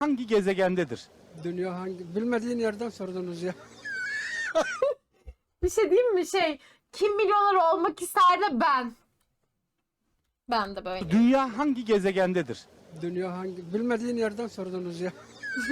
hangi gezegendedir? Dünya bilmediğin yerden sordunuz ya. Bir şey diyeyim mi? Kim milyoner olmak ister de ben. Ben de böyle. Dünya hangi gezegendedir? Dünya bilmediğin yerden sordunuz ya.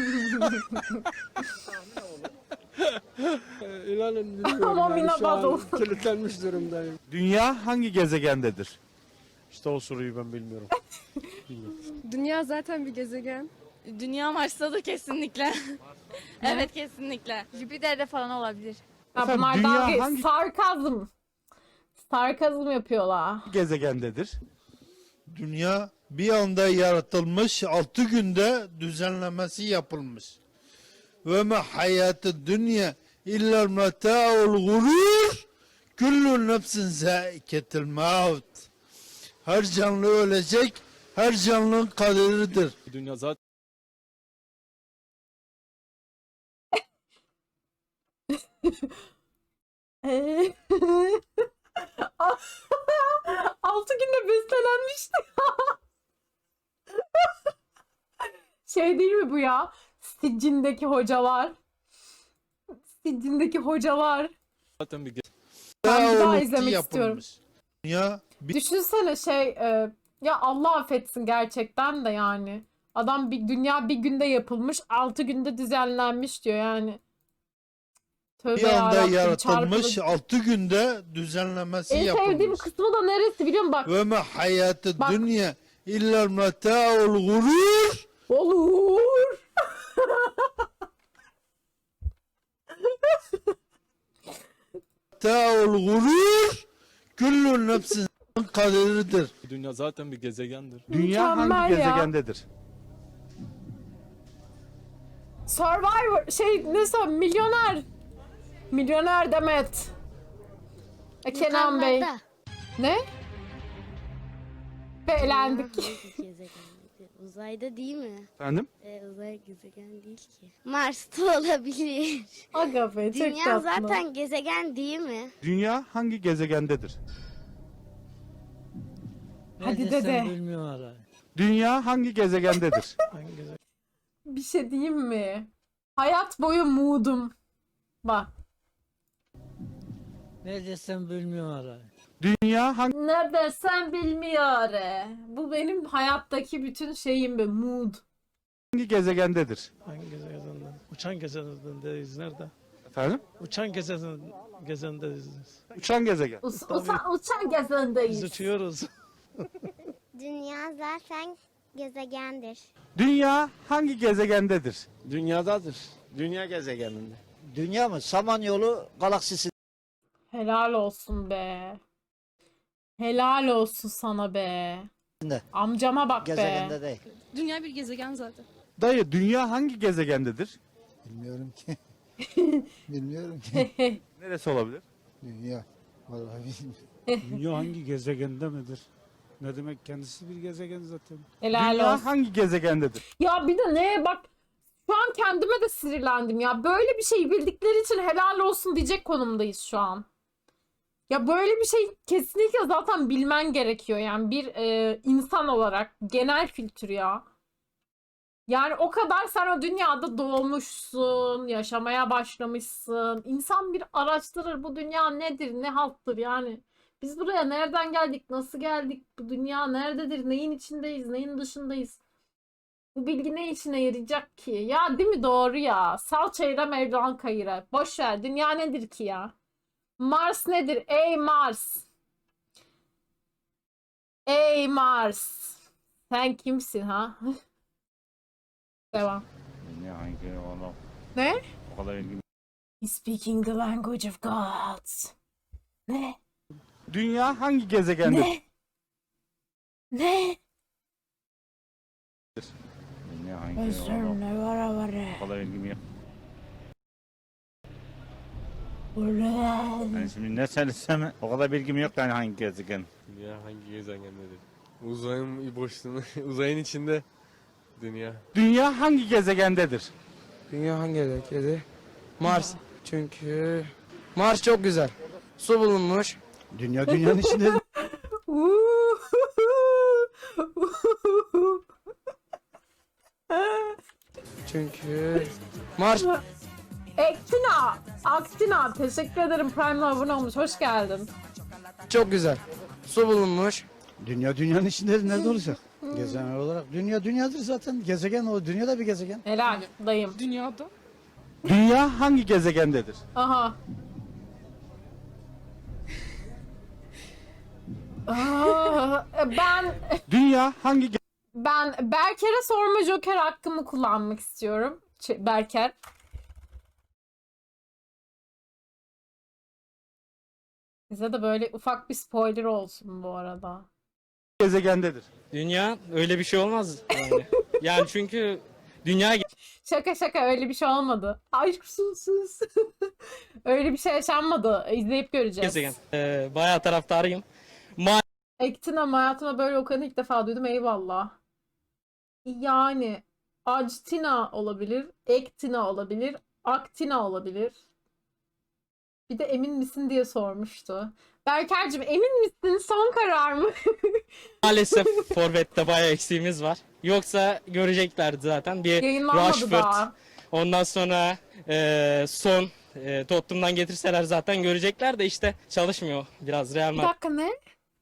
İnanın bilmiyorum. Ama Yani şu an Minabado. kilitlenmiş durumdayım. Dünya hangi gezegendedir? İşte o soruyu ben bilmiyorum. Dünya zaten bir gezegen. Dünya Mars'tadır kesinlikle. Evet kesinlikle. Jüpiter'de falan olabilir. Ya Efendim, bunlar dünya dalga hangi- sarkazm. Sarkazm yapıyorlar. Gezegendedir. Dünya bir anda yaratılmış, 6 günde düzenlemesi yapılmış. Ve ma hayatı dünya illa meta'ul gurur. Kullu nefsin zâiketil maut. Her canlı ölecek, her canlının kaderidir. Dünya zaten Altı günde bestelenmişti. Değil mi bu ya? Siccindeki hocalar. Siccindeki hocalar. bir Ben bir daha Oluktu izlemek yapılmış. Dünya bir Düşünsene ya Allah affetsin gerçekten de yani. Adam dünya bir günde yapılmış, 6 günde düzenlenmiş diyor yani. Tövbe anda yarabbim, yaratılmış, çarpılı. 6 günde düzenlemesi En sevdiğim yapılmış. kısmı da neresi biliyor musun? Bak. Ve ma hayatı Bak. dünya illa meta'ul gurur. Olur. Meta'ul gurur. Kullu nefsin kaderidir. dünya zaten bir gezegendir. Dünya Mükemmel hangi ya. gezegendedir? Survivor milyoner. Milyoner Demet. Kenan Bey. Ne? Ve elendik. Uzayda değil mi? Efendim? Uzay gezegen değil ki. Mars'ta olabilir. Aga be çok Dünya tatlı. zaten gezegen değil mi? Dünya hangi gezegendedir? Hadi dede. Dünya hangi gezegendedir? Bir şey diyeyim mi? Hayat boyu moodum. Bak. Ne desem bilmiyorum. Dünya hangi Ne desem bilmiyor. Bu benim hayattaki bütün şeyim be mood. gezegendedir? Hangi gezegenden? Uçan gezegendeyiz nerede? Efendim? Uçan gezegendeyiz. Uçan gezegen. Uçan gezendeyiz. Biz uçuyoruz. Dünya zaten gezegendir. Dünya hangi gezegendedir? Dünyadadır. Dünya gezegeninde. Dünya mı? Samanyolu galaksisi. Helal olsun be. Helal olsun sana be. Ne? Amcama bak be. Gezegende değil. Dünya bir gezegen zaten. Dayı, dünya hangi gezegendedir? Bilmiyorum ki. Bilmiyorum ki. Neresi olabilir? Dünya. Vallahi bilmiyorum. Dünya hangi gezegende midir? Ne demek, kendisi bir gezegen zaten. Helal Dünya olsun. hangi gezegendedir? Ya bir de ne bak, şu an kendime de sinirlendim ya. Böyle bir şey bildikleri için helal olsun diyecek konumdayız şu an. Ya böyle bir şey kesinlikle zaten bilmen gerekiyor yani bir insan olarak genel kültür ya. Yani o kadar sen o dünyada doğmuşsun, yaşamaya başlamışsın. İnsan bir araştırır, bu dünya nedir, ne halttır yani. Biz buraya nereden geldik, nasıl geldik, bu dünya nerededir, neyin içindeyiz, neyin dışındayız. Bu bilgi ne işine yarayacak ki? Ya değil mi, doğru ya. Sal çayıra Mevlan kayıra. Boş ver, dünya nedir ki ya? Mars nedir? Ey Mars. Ey Mars. Sen kimsin ha? Devam. Ne? He's speaking the language of gods. Ne? Dünya hangi gezegendedir? Ne? Ne? Özür ne var. Ulan. Yani şimdi ne söylesem o kadar bilgim yok yani hangi gezegen. Dünya hangi gezegendedir? Uzayın boşluğunu, uzayın içinde dünya. Dünya hangi gezegendedir? Dünya hangi gezegende? Mars. Çünkü Mars çok güzel. Su bulunmuş. Dünya dünyanın içinde. Çünkü Mars Aktina teşekkür ederim, Prime'la abone olmuş, hoş geldin. çok güzel. Su bulunmuş. Dünya dünyanın içindedir. Nerede olacak? Gezegen olarak. Dünya dünyadır zaten. Gezegen o. Dünya da bir gezegen. Helal dayım. Dünyada. Dünya hangi gezegendedir? Aha. Ben Dünya hangi Berker'e sorma Joker hakkımı kullanmak istiyorum. Berker. Bize de böyle ufak bir spoiler olsun bu arada. gezegendedir? Dünya öyle bir şey olmaz yani. Yani çünkü dünya Şaka öyle bir şey olmadı. Ay sus. Öyle bir şey yaşanmadı. İzleyip göreceğiz. gezegen. Bayağı taraftarıyım. Ektina hayatımda böyle okuyanı ilk defa duydum. Eyvallah. Yani Actina olabilir, Ektina olabilir, Aktina olabilir. Bir de emin misin diye sormuştu. Berker'cim emin misin? Son karar mı? Maalesef forvette bayağı eksiğimiz var. Yoksa göreceklerdi zaten. Bir Yayınlanmadı Rashford. daha. Ondan sonra Son Tottenham'dan getirseler zaten görecekler de işte çalışmıyor biraz Real Bir Madrid. dakika ne?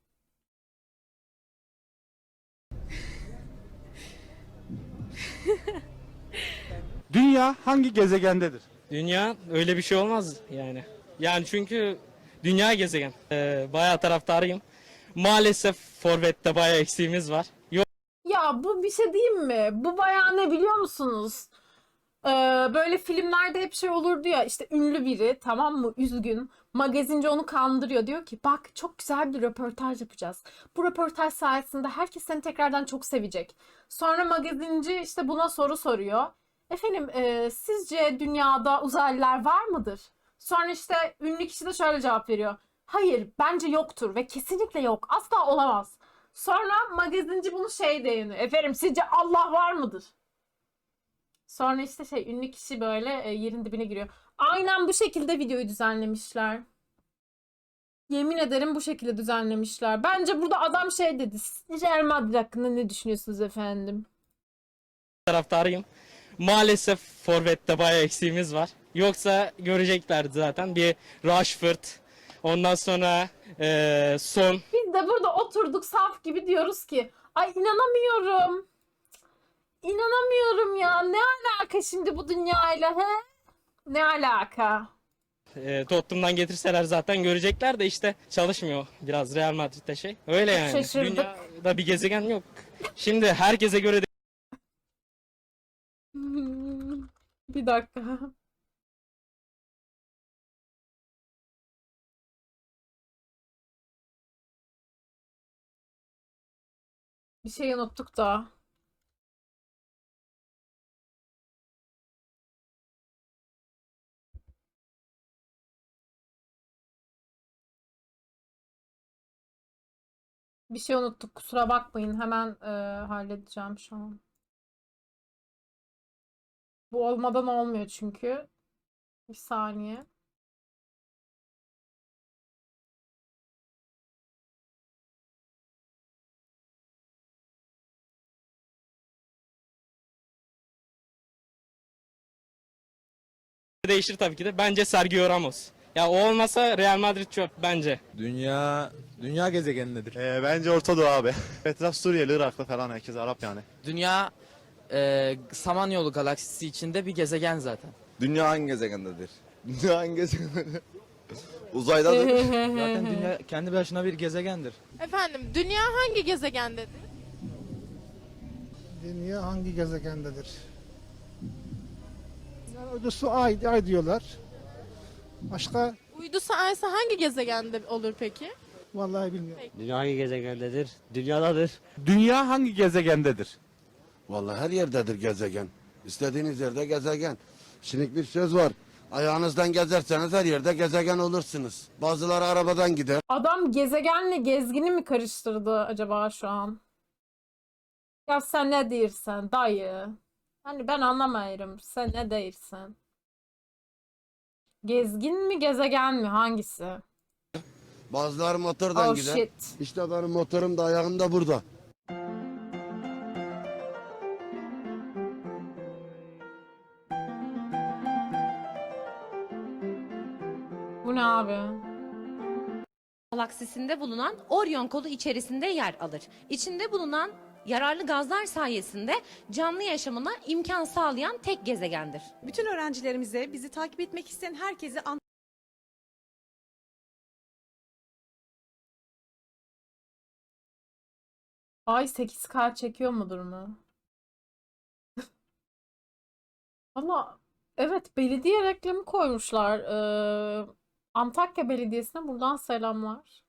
Dünya hangi gezegendedir? Dünya öyle bir şey olmaz yani. Yani çünkü dünya gezegen. Bayağı taraftarıyım. Maalesef forvette bayağı eksiğimiz var. Ya bu bir şey diyeyim mi? Bu bayağı ne biliyor musunuz? Böyle filmlerde hep şey olurdu ya, işte ünlü biri, tamam mı, üzgün, magazinci onu kandırıyor, diyor ki bak çok güzel bir röportaj yapacağız, bu röportaj sayesinde herkes seni tekrardan çok sevecek. Sonra magazinci işte buna soru soruyor, efendim sizce dünyada uzaylılar var mıdır? Sonra işte ünlü kişi de şöyle cevap veriyor, hayır bence yoktur ve kesinlikle yok, asla olamaz. Sonra magazinci bunu şey diyor, efendim sizce Allah var mıdır? Sonra işte ünlü kişi böyle yerin dibine giriyor. Aynen bu şekilde videoyu düzenlemişler. Yemin ederim bu şekilde düzenlemişler. Bence burada adam şey dedi. Real Madrid hakkında ne düşünüyorsunuz efendim? Taraftarıyım. Maalesef forvette bayağı eksiğimiz var. Yoksa göreceklerdi zaten. Bir Rashford. Ondan sonra Son. Biz de burada oturduk saf gibi diyoruz ki ay inanamıyorum. İnanamıyorum ya. Ne alaka şimdi bu dünyayla he? Ne alaka? Tottenham'dan getirseler zaten görecekler de işte çalışmıyor biraz Real Madrid'de şey. Öyle yani. Şaşırdık. Dünyada bir gezegen yok. Şimdi herkese göre Bir dakika. Bir şey unuttuk da. Bir şey unuttuk. Kusura bakmayın. Hemen halledeceğim şu an. Bu olmadan olmuyor çünkü. Bir saniye. değişir tabii ki de. Bence Sergio Ramos. Ya o olmasa Real Madrid çöp bence. Dünya gezegenindedir. Bence Orta Doğu abi. Etraf Suriyeli, Iraklı falan, herkes Arap yani. Dünya Samanyolu galaksisi içinde bir gezegen zaten. Dünya hangi gezegendedir? Dünya hangi gezegendedir? Uzaydadır. Zaten dünya kendi başına bir gezegendir. Efendim, dünya hangi gezegendedir? Dünya hangi gezegendedir? Yani uydusu ay diyorlar. Başka Uydu sayesi hangi gezegende olur peki? vallahi bilmiyorum. Dünya hangi gezegendedir? Dünyadadır. Dünya hangi gezegendedir? Vallahi her yerdedir gezegen. İstediğiniz yerde gezegen. Şimdi bir söz var. Ayağınızdan gezerseniz her yerde gezegen olursunuz. Bazıları arabadan gider. Adam gezegenle gezgini mi karıştırdı acaba şu an? Ya sen ne diyorsun dayı? Hani ben anlamıyorum. Sen ne diyorsun? Gezgin mi gezegen mi hangisi? Bazıları motordan Oh gider. shit. İşte benim motorum da ayağım da burada. Bu ne abi? Galaksisinde bulunan Orion kolu içerisinde yer alır. İçinde bulunan yararlı gazlar sayesinde canlı yaşamına imkan sağlayan tek gezegendir. Bütün öğrencilerimize, bizi takip etmek isteyen herkese Ay 8K çekiyor mudur mu? Valla evet, belediye reklamı koymuşlar. Antakya Belediyesi'ne buradan selamlar.